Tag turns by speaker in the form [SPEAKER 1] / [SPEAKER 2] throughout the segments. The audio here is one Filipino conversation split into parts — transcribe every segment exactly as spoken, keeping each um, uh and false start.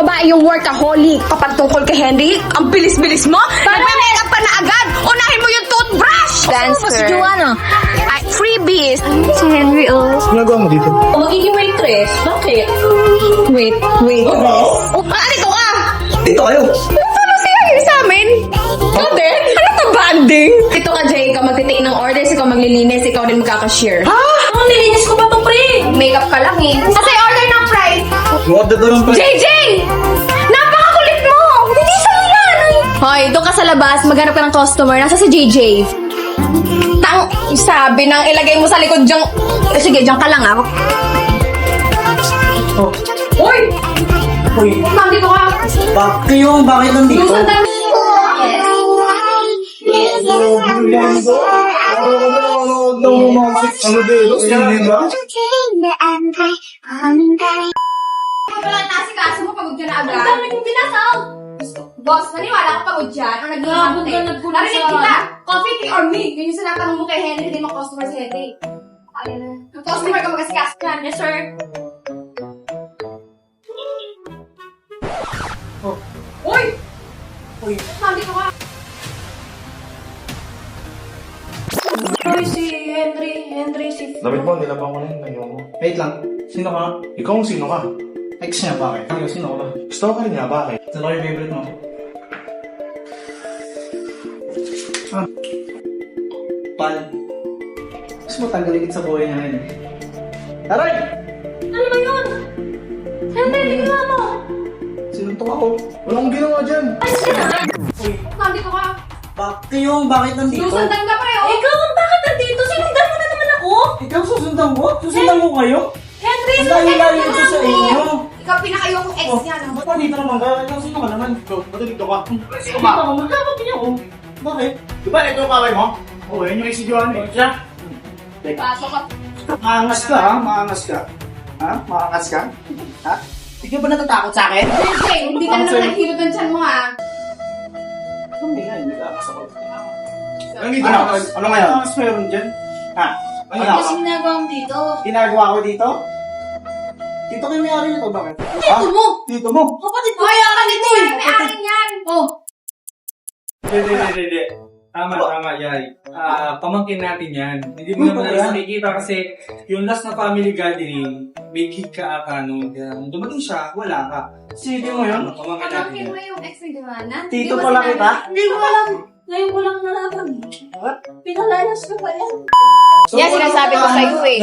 [SPEAKER 1] babae yung workaholic. Kapag tungkol kay Henry, ang bilis-bilis mo. Nagme-makeup pa na agad. Unahin mo yung toothbrush.
[SPEAKER 2] Dancer.
[SPEAKER 1] Si Joanna. Ay, freebies.
[SPEAKER 2] Si Henry, oh.
[SPEAKER 3] Ginagawa mo dito?
[SPEAKER 1] Magiging waitress. Bakit?
[SPEAKER 2] Wait, wait.
[SPEAKER 1] Oh, ah, dito ka.
[SPEAKER 3] Dito kayo.
[SPEAKER 1] Ano si Henry sa amin? Ikaw din? Ano to banding? Ito ka, Jay. Ikaw magtitake ng orders, ikaw maglilinis, ikaw din magkakashare. Ha? Ang nilinis ko pa to, pre. Makeup ka lang eh. Kasi order ng fries.
[SPEAKER 3] Order doon ang
[SPEAKER 1] J J! Napakakulit mo! Hindi sa yan! Hoy, doon ka sa labas, maghanap ka ng customer. Nasa si J J. Tang, sabi nang ilagay mo sa likod diyang... Eh, sige, dyan ka lang ah.
[SPEAKER 3] Oh.
[SPEAKER 1] Uy!
[SPEAKER 3] Uy,
[SPEAKER 1] Ma'am, dito ka.
[SPEAKER 3] bakit yung bakit nandito?
[SPEAKER 1] Gusto tayo.
[SPEAKER 3] Ano dito? Hindi ba?
[SPEAKER 1] Wala na si kaso mo, pagod ka na agad. Ang dami kong binasaw. Boss, maniwala ka pagod dyan. Ang nag-iingat eh. Narinig kita. Coffee, tea, or me. Yun yung sinatanong mo kay Henry, hindi mo customer si Henry. Ayun na. Ang customer ka magkasikas ka. Yes, sir.
[SPEAKER 3] Oh.
[SPEAKER 1] Uy!
[SPEAKER 3] Uy.
[SPEAKER 1] Ma'am, dito ka. Uy, si Henry. Henry, si...
[SPEAKER 4] Dapat mo, nilabang ko na yun. Nanyo mo.
[SPEAKER 3] Wait lang. Sino ka?
[SPEAKER 4] Ikaw ang sino ka?
[SPEAKER 3] Ex niya, bakit? Ano, sino ka ba?
[SPEAKER 4] Gusto ko ka rin nga, bakit?
[SPEAKER 3] Sino ka yung favorite mo? Ah. Pal. Gusto mo tanggalin sa buhay niya ngayon. Taray!
[SPEAKER 1] Ano ba yun? Henry, tingnan mo.
[SPEAKER 3] Sinuntok ako.
[SPEAKER 4] Wala akong ginawa dyan.
[SPEAKER 3] Uy.
[SPEAKER 1] Ma'am, dito ka.
[SPEAKER 3] Bakit yung bakit nandito?
[SPEAKER 1] Susundan ka pa eh. oh. Ikaw, bakit nandito? Sinundan mo na naman ako.
[SPEAKER 3] Ikaw susundan mo? Susundan mo kayo?
[SPEAKER 1] Henry,
[SPEAKER 3] Ang
[SPEAKER 1] sundan
[SPEAKER 3] layo-layo
[SPEAKER 1] ka
[SPEAKER 3] ito
[SPEAKER 1] na
[SPEAKER 3] sa
[SPEAKER 1] mo.
[SPEAKER 3] inyo.
[SPEAKER 1] Ikaw, pinakayokong ex
[SPEAKER 3] Oh,
[SPEAKER 1] niya. no?
[SPEAKER 3] ba't nandito naman ka? Ikaw sino ka naman?
[SPEAKER 4] Ikaw, ba't dito ka?
[SPEAKER 3] Sino ba? Magkakot niya ako. Bakit?
[SPEAKER 4] Di ba ito yung kaway mo? Oo, yun yung si Johan eh. Siya?
[SPEAKER 1] Pasok ka.
[SPEAKER 3] Maangas ka ha? Maangas ka? Ha? Maangas ka? Ha? Hindi ka ba natatakot sa akin?
[SPEAKER 1] Henry, hindi ka na naman naghilot ng tiyan mo ha.
[SPEAKER 3] Hindi nga, hindi ka ako.
[SPEAKER 4] Nandito
[SPEAKER 3] Ano?
[SPEAKER 4] ka. Ano ngayon?
[SPEAKER 3] Ano mas meron dyan? Ha?
[SPEAKER 4] Ano
[SPEAKER 3] Ano?
[SPEAKER 4] ka?
[SPEAKER 2] ginagawa mo dito?
[SPEAKER 3] Ginagawa ko dito? Dito kayo may-ari nito, bakit?
[SPEAKER 1] Dito mo.
[SPEAKER 3] Dito mo?
[SPEAKER 1] Kapatid mo. Kaya ka dito eh. May akin yan. Oh.
[SPEAKER 5] Hindi, hindi, hindi, hindi. Tama, tama, Yay. Ah, pamangkin natin yan. Hindi mo
[SPEAKER 3] Uy,
[SPEAKER 5] naman
[SPEAKER 3] bakit?
[SPEAKER 5] alam nakikita kasi yung last na family gathering, may kid ka aka nun. Kaya nung dumating siya, wala ka.
[SPEAKER 3] Sige mo yun?
[SPEAKER 5] Ano, pamangkin natin
[SPEAKER 1] Pamangkin
[SPEAKER 5] yan.
[SPEAKER 1] mo yung ex ni Joanna.
[SPEAKER 3] Tito pala kita?
[SPEAKER 2] Hindi ko alam. Ngayon ko lang nalaman.
[SPEAKER 3] What?
[SPEAKER 2] Pinalayas ko pa yan.
[SPEAKER 1] Yan, sinasabi ko sa'yo eh.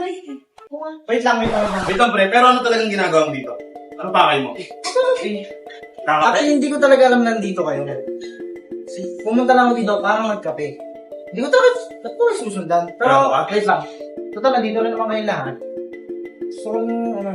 [SPEAKER 3] Wait lang, wait lang.
[SPEAKER 4] Wait lang, pre. Pero ano talagang ginagawa mo dito? Ano pakay mo? Kakapit?
[SPEAKER 3] Actually, hindi ko talaga alam nandito kayo. Pumunta lang ako dito para magkape. Hindi ko talaga, ba't ko rin susundan? Pero,
[SPEAKER 4] Bravo ka?
[SPEAKER 3] wait lang. Total, nandito rin naman kayo lahat. So, ano,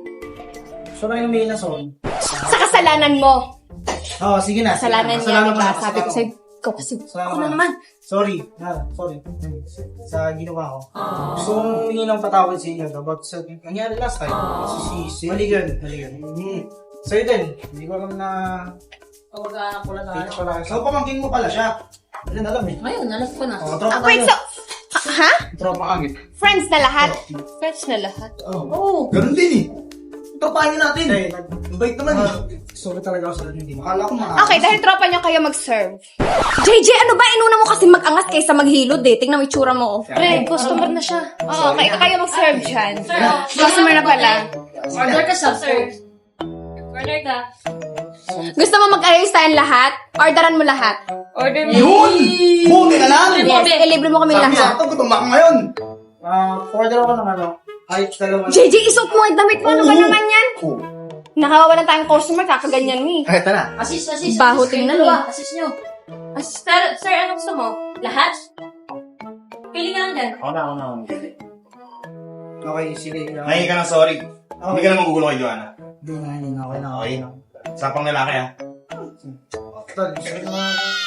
[SPEAKER 3] so na yung main na son.
[SPEAKER 1] Sa kasalanan mo.
[SPEAKER 3] Oo, oh, sige na. sige na.
[SPEAKER 1] Kasalanan niya,
[SPEAKER 3] Kasalanan
[SPEAKER 1] diba?
[SPEAKER 3] ko na,
[SPEAKER 1] Sabi ko
[SPEAKER 3] kasalanan
[SPEAKER 1] sa'yo, ikaw kasi.
[SPEAKER 3] Kasalanan
[SPEAKER 1] Ako
[SPEAKER 3] ko
[SPEAKER 1] na
[SPEAKER 3] na.
[SPEAKER 1] naman.
[SPEAKER 3] Sorry. Ha, sorry. Sa ginawa ko. So, hindi ng patawad sa inyo about sa nangyari last time. Si Sisi. Mali yun. Mali yun. Hmm. Sa'yo din. Hindi ko alam na
[SPEAKER 2] Pagkaanak ko lang
[SPEAKER 3] dito pala. So, pamangkin mo pala siya. Hindi na alam eh.
[SPEAKER 2] Ngayon, alam ko na.
[SPEAKER 3] Oh, tropa
[SPEAKER 1] Ah, wait,
[SPEAKER 3] tayo.
[SPEAKER 1] so... Ha?
[SPEAKER 3] Tropa agit.
[SPEAKER 1] Friends na lahat? Friends na lahat?
[SPEAKER 3] Oh.
[SPEAKER 2] Oo.
[SPEAKER 4] Ganun din eh. Tropahin natin.
[SPEAKER 3] Eh, nag-bait naman eh. Sorry talaga ako sa hindi. Akala ko maaari.
[SPEAKER 1] Okay, dahil tropa niyo kayo mag-serve. J J, ano ba? Inuna mo kasi mag-angas kaysa maghilod eh. Tingnan mo yung tsura mo. Oh.
[SPEAKER 2] Pre, customer na siya.
[SPEAKER 1] Oo, okay, kayo mag-serve dyan. Customer na pala.
[SPEAKER 2] Order ka sa sir. Order ka.
[SPEAKER 1] Gusto mo mag-arrange tayong lahat? Orderan mo lahat.
[SPEAKER 2] Order mo.
[SPEAKER 4] Yun! Buti na lang!
[SPEAKER 1] Yes, ilibre mo kami
[SPEAKER 4] Sabi
[SPEAKER 1] lahat.
[SPEAKER 4] sa ito, gutom ako ngayon.
[SPEAKER 3] Ah, order ako ng ano. Ay, dalawa.
[SPEAKER 1] J J, isuot mo ang damit mo. Ano ba
[SPEAKER 4] Oo.
[SPEAKER 1] naman yan?
[SPEAKER 4] Oh.
[SPEAKER 1] Nakawawalan tayong customer, kakaganyan mo eh.
[SPEAKER 4] Ay, ito na.
[SPEAKER 2] Assist, assist.
[SPEAKER 1] Baho
[SPEAKER 2] assist.
[SPEAKER 1] tingnan
[SPEAKER 2] Kayo
[SPEAKER 1] eh.
[SPEAKER 2] dalawa, Assist nyo. Assist, sir, sir, ano gusto mo? Lahat? Pili ka lang dyan.
[SPEAKER 4] Ako na, ako na. ako na.
[SPEAKER 3] Okay, sige.
[SPEAKER 4] Nahingi ka ng sorry. Hindi ka naman gugulo kay Joanna.
[SPEAKER 3] Hindi na, hindi na. Okay na,
[SPEAKER 4] Okay.
[SPEAKER 3] okay na.
[SPEAKER 4] Sapang lalaki ah.
[SPEAKER 3] Tol, sige na.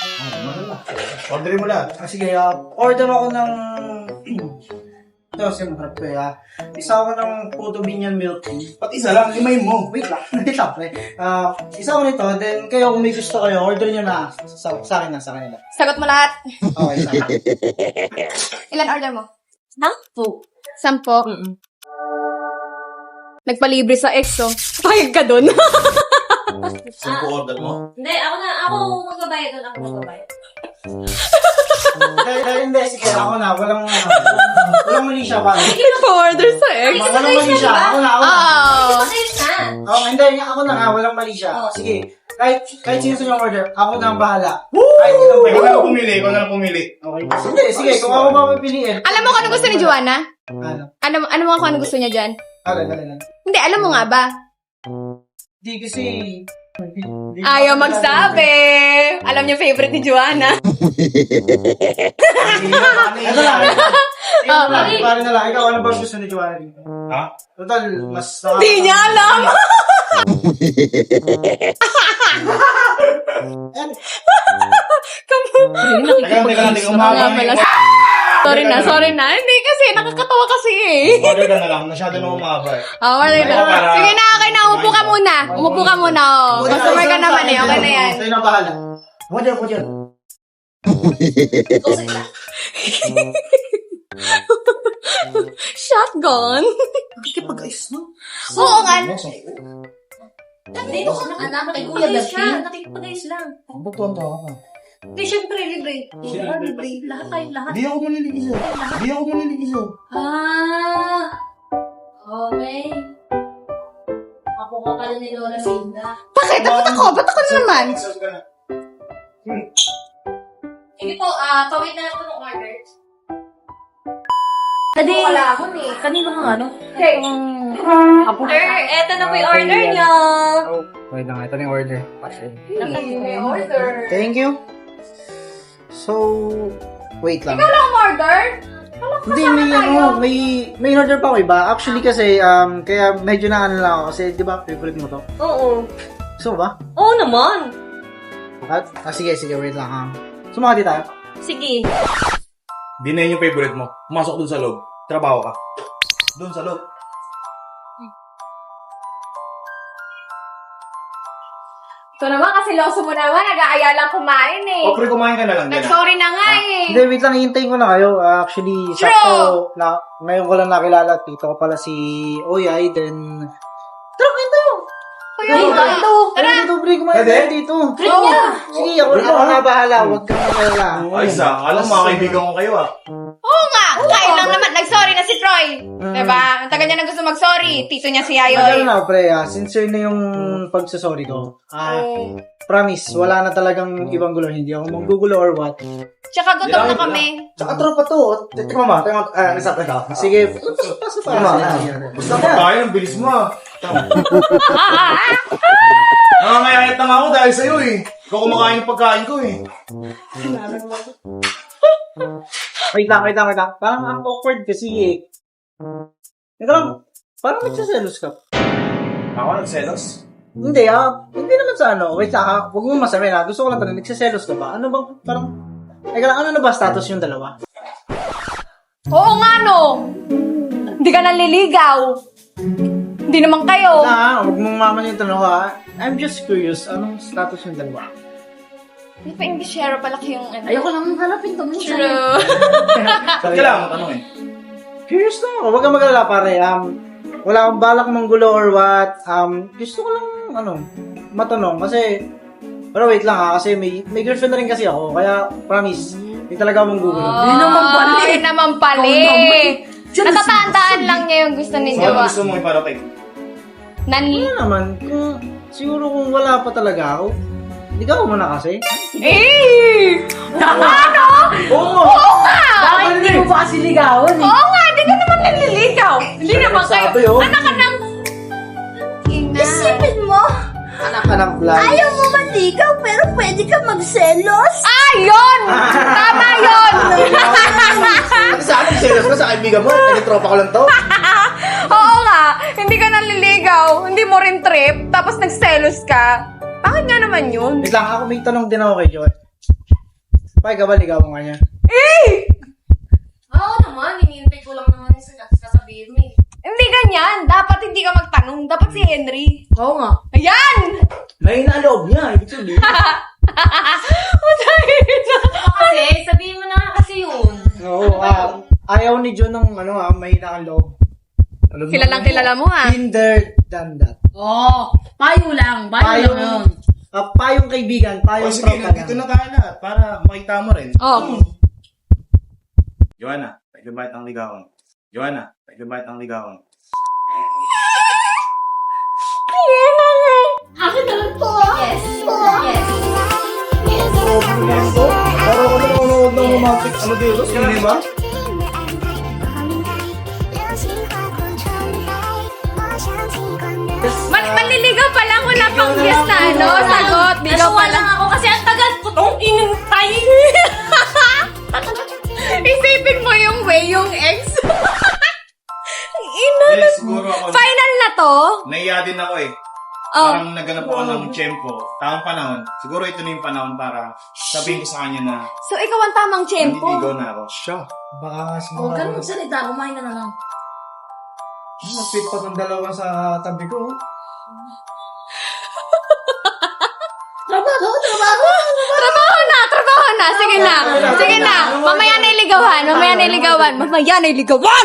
[SPEAKER 4] Orderin mo lahat.
[SPEAKER 3] Ah, sige, ah, order ako ng... Ito, simprap ko ah. Isa ako ng Puto Binyan Milk Tea.
[SPEAKER 4] Pati isa lang, limayin mo.
[SPEAKER 3] Wait lang, wait lang, pre. Ah, isa ako nito, then kayo kung may gusto kayo, order nyo na sa, sa akin na, sa kanila.
[SPEAKER 1] Sagot mo lahat.
[SPEAKER 3] Okay, sa akin.
[SPEAKER 1] Ilan order mo?
[SPEAKER 2] Sampu.
[SPEAKER 1] Sampo. Nagpalibre sa ex, oh. Payag ka dun.
[SPEAKER 4] Saan ko order mo?
[SPEAKER 2] Hindi, ako na, ako magbabayad doon. Ako magbabayad.
[SPEAKER 3] Dahil, dahil hindi, sige, ako na. Walang, ano, walang mali siya, pare.
[SPEAKER 6] Nag-order sa ex.
[SPEAKER 3] Walang mali siya. Ako na, ako na.
[SPEAKER 6] Oo.
[SPEAKER 2] Pasayos na.
[SPEAKER 3] Oh, hindi, ako na nga. Walang mali siya.
[SPEAKER 2] Oh.
[SPEAKER 3] Sige. Kahit, kahit sino sa yung order, ako na ang bahala. Kahit ilang
[SPEAKER 4] Ikaw na
[SPEAKER 3] pwede.
[SPEAKER 4] lang pumili, ikaw na lang pumili.
[SPEAKER 3] Okay. Sige, sige. Kung ako ba pipiliin.
[SPEAKER 6] Alam mo kung ano gusto ni Joanna?
[SPEAKER 3] Ano?
[SPEAKER 6] Ano, ano mo kung ano gusto niya dyan?
[SPEAKER 3] Alin, alin, alin.
[SPEAKER 6] Hindi, alam mo nga ba?
[SPEAKER 3] Hindi kasi... hindi-
[SPEAKER 6] Ayaw magsabi. Alam niya favorite ni Joanna.
[SPEAKER 3] Ito lang. Ikaw na lang. Pare na lang. Ikaw, ano ba gusto ni Joanna dito?
[SPEAKER 4] Ha?
[SPEAKER 3] Total, mas...
[SPEAKER 6] Hindi niya alam.
[SPEAKER 4] Teka lang, teka lang, teka lang.
[SPEAKER 6] Nga pala. Sorry na, sorry na. Hindi kasi, nakakatawa kasi eh.
[SPEAKER 4] Order ka na lang, masyado na umaba eh.
[SPEAKER 6] Oh, wala na.
[SPEAKER 4] Para-
[SPEAKER 6] Sige na, okay na. Umupo ka muna. Umupo ka muna. Oh. Customer ka naman eh. Okay na yan.
[SPEAKER 3] Sa'yo na bahala. Order, order.
[SPEAKER 6] Shotgun.
[SPEAKER 3] Nakikipag-ayos, no?
[SPEAKER 6] Oo nga.
[SPEAKER 2] Dito ka na anak kay Kuya Dapin. Nakikipag-ayos lang.
[SPEAKER 3] Ang butuan to ako.
[SPEAKER 2] Hindi, syempre, libre. Libre, libre. Lahat tayo, lahat.
[SPEAKER 3] Hindi ako maniligiso. Hindi ako maniligiso.
[SPEAKER 2] Ah! Okay. Ako ka pala ni Lola Linda.
[SPEAKER 6] Bakit? Bakit ako? Ba't ako na naman?
[SPEAKER 2] Sige po, ah, pawait na lang po ng order.
[SPEAKER 1] Hindi. Wala ako eh.
[SPEAKER 2] Kanino ka ano?
[SPEAKER 1] Okay.
[SPEAKER 2] Sir, eto na po yung order niyo.
[SPEAKER 3] Wait lang, ito na yung order.
[SPEAKER 1] May order.
[SPEAKER 3] Thank you. So, wait lang.
[SPEAKER 1] Ang order?
[SPEAKER 3] Hindi, may, ano, may, may order pa ako iba. Actually kasi, um, kaya medyo na ano lang ako kasi, di ba, favorite mo to?
[SPEAKER 2] Oo.
[SPEAKER 3] So ba?
[SPEAKER 2] Oo naman.
[SPEAKER 3] At, ah, sige, sige, wait lang. Um, sumakati tayo.
[SPEAKER 2] Sige.
[SPEAKER 4] Di na yun yung favorite mo. Pumasok dun sa loob. Trabaho ka. Dun sa loob.
[SPEAKER 1] Ito naman kasi loso mo naman. Nag-aaya lang kumain eh.
[SPEAKER 4] O, pre, kumain ka na lang. Yan ah.
[SPEAKER 1] Nag-sorry na nga eh.
[SPEAKER 3] Hindi, wait lang, hihintayin ko na kayo. Ah, actually, sakto, na, ngayon ko lang nakilala. Tito ko pala si Oyay, then... Tara, kwento!
[SPEAKER 1] Kuya, ito.
[SPEAKER 3] Tara! Dito, pre, kumain
[SPEAKER 4] Pwede?
[SPEAKER 3] tayo dito. Oo. Sige, ako, ako na bahala. Huwag kang magalala.
[SPEAKER 4] Ayos ah. Alam, mga kaibigan ko kayo ah.
[SPEAKER 6] Oo nga. Kain lang naman. Nag-sorry na si Troy. Diba? Ang tagal niya na gusto mag-sorry. Tito niya si
[SPEAKER 3] Ano
[SPEAKER 6] Yayoy.
[SPEAKER 3] na, pre, ah, sincere na yung pagsasorry ko. Ah, promise, wala na talagang ibang gulo. Hindi ako manggugulo or what.
[SPEAKER 6] Tsaka gutom na kami.
[SPEAKER 3] Tsaka tropa to. Tingnan mo, tingnan mo. Ah, isa pa ka. Sige, pasok pa.
[SPEAKER 4] Gusto ko tayo, ang bilis mo ah. Nakangayayat na nga ako dahil sa'yo eh. Ikaw kumakain ng pagkain ko eh.
[SPEAKER 3] Wait lang, wait lang, wait lang. Parang ang awkward kasi eh. Teka lang, parang nagsaselos ka.
[SPEAKER 4] Ako nagselos?
[SPEAKER 3] Hindi ah, hindi naman sa ano. Wait lang, ah, huwag mo masabi na. Gusto ko lang tanong, nagsaselos ka ba? Ano bang, parang, teka lang, ano na ba status yung dalawa?
[SPEAKER 6] Oo nga no. Hindi ka nanliligaw. Hindi naman kayo.
[SPEAKER 3] Na, huwag mong maman yung tanong ha. I'm just curious, anong status yung dalawa?
[SPEAKER 6] Hindi pa Englishero pala kayong ano.
[SPEAKER 1] Ayoko lang hanapin to.
[SPEAKER 6] True.
[SPEAKER 4] Ba't kailangan mo tanong eh?
[SPEAKER 3] Curious lang ako. Huwag kang mag-alala pare. Um, wala akong balak manggulo or what. Um, gusto ko lang, ano, matanong. Kasi, pero wait lang ha. Kasi may, may girlfriend na rin kasi ako. Kaya, promise, hindi talaga akong gugulo.
[SPEAKER 6] Hindi naman pala. Hindi naman pala. Natatandaan lang niya yung gusto ni
[SPEAKER 4] So, ano
[SPEAKER 6] Jowa.
[SPEAKER 4] gusto mong iparating?
[SPEAKER 6] Nan...
[SPEAKER 3] Ano naman, kung, siguro kung wala pa talaga ako, ligaw mo na kasi.
[SPEAKER 6] Eh! Ano?
[SPEAKER 3] Oo!
[SPEAKER 6] Oo nga!
[SPEAKER 1] Bakit hindi mo ba kasi ligawan eh?
[SPEAKER 6] Oo nga, hindi ka naman nanliligaw. Hindi naman kayo.
[SPEAKER 3] Sabi, oh.
[SPEAKER 6] Anak ka ng...
[SPEAKER 1] Isipin mo,
[SPEAKER 3] Anak ka ng fly.
[SPEAKER 1] ayaw mo manligaw pero pwede ka magselos.
[SPEAKER 6] Ah, yun! Tama yun!
[SPEAKER 3] Sa akin, serious ka sa kaibigan mo. Nag-tropa ko lang to.
[SPEAKER 6] Oo nga, hindi ka nanliligaw, hindi mo rin trip, tapos nagselos ka. Bakit nga naman yun?
[SPEAKER 3] Wait lang, ako may tanong din ako kay Joy. Pai, ka ba ligaw mo nga niya?
[SPEAKER 6] Eh!
[SPEAKER 2] Oo naman, hinihintay ko lang naman yung sasabihin mo eh.
[SPEAKER 6] Hindi ganyan. Dapat hindi ka magtanong. Dapat si Henry.
[SPEAKER 1] Oo nga.
[SPEAKER 6] Ayan!
[SPEAKER 3] May naloob niya, ibig sabihin.
[SPEAKER 2] Kasi, sabihin mo na nga kasi yun.
[SPEAKER 3] Oo, ah, ayaw ni John ng ano ah, mahina ang loob. Alam mo,
[SPEAKER 6] Kilalang kilala mo ah.
[SPEAKER 3] Kinder than that.
[SPEAKER 2] Oo, payo lang. Payo lang yun.
[SPEAKER 3] Ah, payong kaibigan,
[SPEAKER 4] O
[SPEAKER 3] payong
[SPEAKER 4] sige,
[SPEAKER 3] tropa
[SPEAKER 4] nandito
[SPEAKER 3] lang.
[SPEAKER 4] na tayo lahat para makita mo rin.
[SPEAKER 6] Oh.
[SPEAKER 4] Joanna, pwede ba itang ligawan? Joanna, pwede ba itang ligawan?
[SPEAKER 2] Akin na lang to. Yes. Yes.
[SPEAKER 4] Pero ano nanonood ng romantic ano dito? Sino ba?
[SPEAKER 6] Man manliligaw pa lang, wala pang guess na ano, sagot. Ligaw pa lang.
[SPEAKER 2] ako kasi ang tagal ko tong inintay.
[SPEAKER 6] Isipin mo yung way, yung ex. Ang ina.
[SPEAKER 4] Yes, siguro ako.
[SPEAKER 6] Final na to?
[SPEAKER 4] Naiya din ako eh.
[SPEAKER 6] Oh.
[SPEAKER 4] Parang naganap ako ng tiyempo. Tamang panahon. Siguro ito na yung panahon para sabihin ko sa kanya na
[SPEAKER 6] So, ikaw ang tamang tiyempo.
[SPEAKER 4] nandiligaw na ako. Siya.
[SPEAKER 3] Baka nga siguro.
[SPEAKER 2] Huwag ka na magsalita, kumain ka na lang.
[SPEAKER 3] Nag-fit pa ng dalawa sa tabi ko.
[SPEAKER 2] Trabaho, trabaho.
[SPEAKER 6] Trabaho na, trabaho na. Sige na, sige na. Mamaya na iligawan, mamaya na iligawan. Mamaya na iligawan!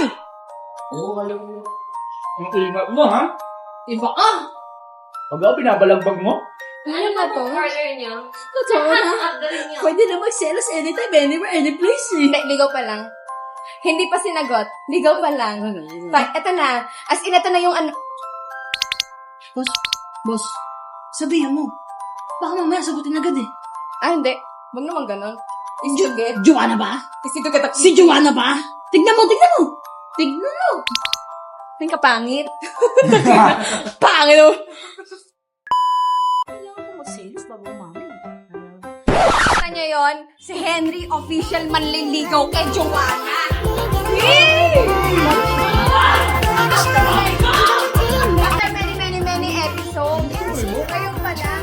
[SPEAKER 5] Ang ingat mo, ha?
[SPEAKER 2] Iba ka.
[SPEAKER 5] Pag ako binabalagbag mo?
[SPEAKER 6] Ano na to?
[SPEAKER 2] Order niya.
[SPEAKER 6] Totoo na.
[SPEAKER 2] Galing niya.
[SPEAKER 7] Pwede na mag-selos anytime, anywhere, any place eh.
[SPEAKER 6] Hindi, ligaw pa lang. Hindi pa sinagot. Ligaw pa lang. Pa, eto na. As in, eto na yung ano.
[SPEAKER 7] Boss, boss, sabihan mo. Baka mamaya sagutin agad eh.
[SPEAKER 6] Ah, hindi. Huwag naman ganon. Isugit.
[SPEAKER 7] Joanna ba?
[SPEAKER 6] Isugit at
[SPEAKER 7] Si Joanna ba? Tignan mo, tignan mo. Tignan mo.
[SPEAKER 6] Ang kapangit. Pangit oh.
[SPEAKER 7] Kailangan mo mag-selos bago umami.
[SPEAKER 6] Kita niyo yun? Si Henry official manliligaw kay Joanna. Yay! After many, many, many episodes, kayo pa lang.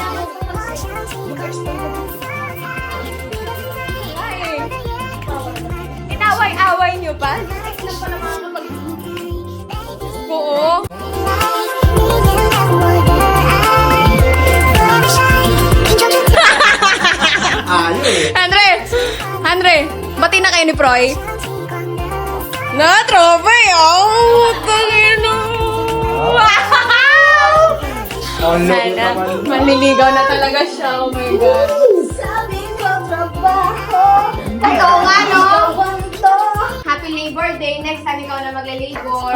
[SPEAKER 6] Ay. Inaway-away niyo pa? Oo.
[SPEAKER 3] Ayo eh.
[SPEAKER 6] Andre! Andre! Bati na kayo ni Proy? Na, tropa eh! Oh! Talino! Wow!
[SPEAKER 3] Oh, look
[SPEAKER 6] Sana,
[SPEAKER 3] naman.
[SPEAKER 6] manliligaw na talaga siya. Oh my God.
[SPEAKER 7] Sabi ko trabaho.
[SPEAKER 6] Ay, oo nga, no? Happy Labor Day. Next time ikaw na magle-labor.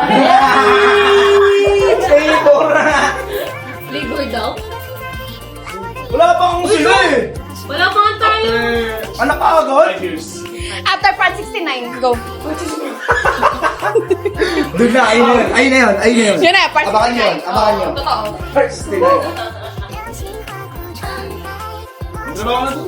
[SPEAKER 3] Favor na.
[SPEAKER 2] Labor daw?
[SPEAKER 4] Wala pa akong sila eh!
[SPEAKER 2] Wala pa nga tayo.
[SPEAKER 4] Anak ka agad? Five years.
[SPEAKER 6] After part sixty-nine, go.
[SPEAKER 3] Doon na, ayun na yun. Ayun na yun. Ayun na yun.
[SPEAKER 6] Yun na, part
[SPEAKER 3] Abangan yun.
[SPEAKER 6] sixty-nine.
[SPEAKER 3] Abangan
[SPEAKER 6] Oo,
[SPEAKER 3] yun.
[SPEAKER 6] Totoo.
[SPEAKER 3] First, tonight.
[SPEAKER 4] Trabaho na to.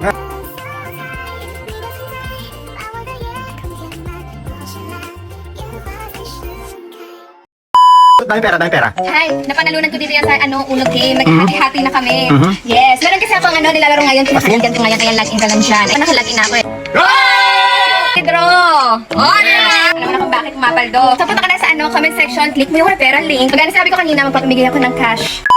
[SPEAKER 3] Dami pera, dami pera.
[SPEAKER 1] Hi, napanalunan ko dito yan sa ano, ulog game. Nag-hati-hati na kami. Yes, meron kasi akong ano, nilalaro ngayon. Pinakaligan ko ngayon, kaya log-in ka lang dyan. Ay, nakalagin na ako eh. Pedro! Oh, diba? Alam mo na kung bakit umapaldo. So, punta ka na sa ano, comment section, click mo yung referral link. Pag sabi ko kanina, magpapamigay ako ng cash.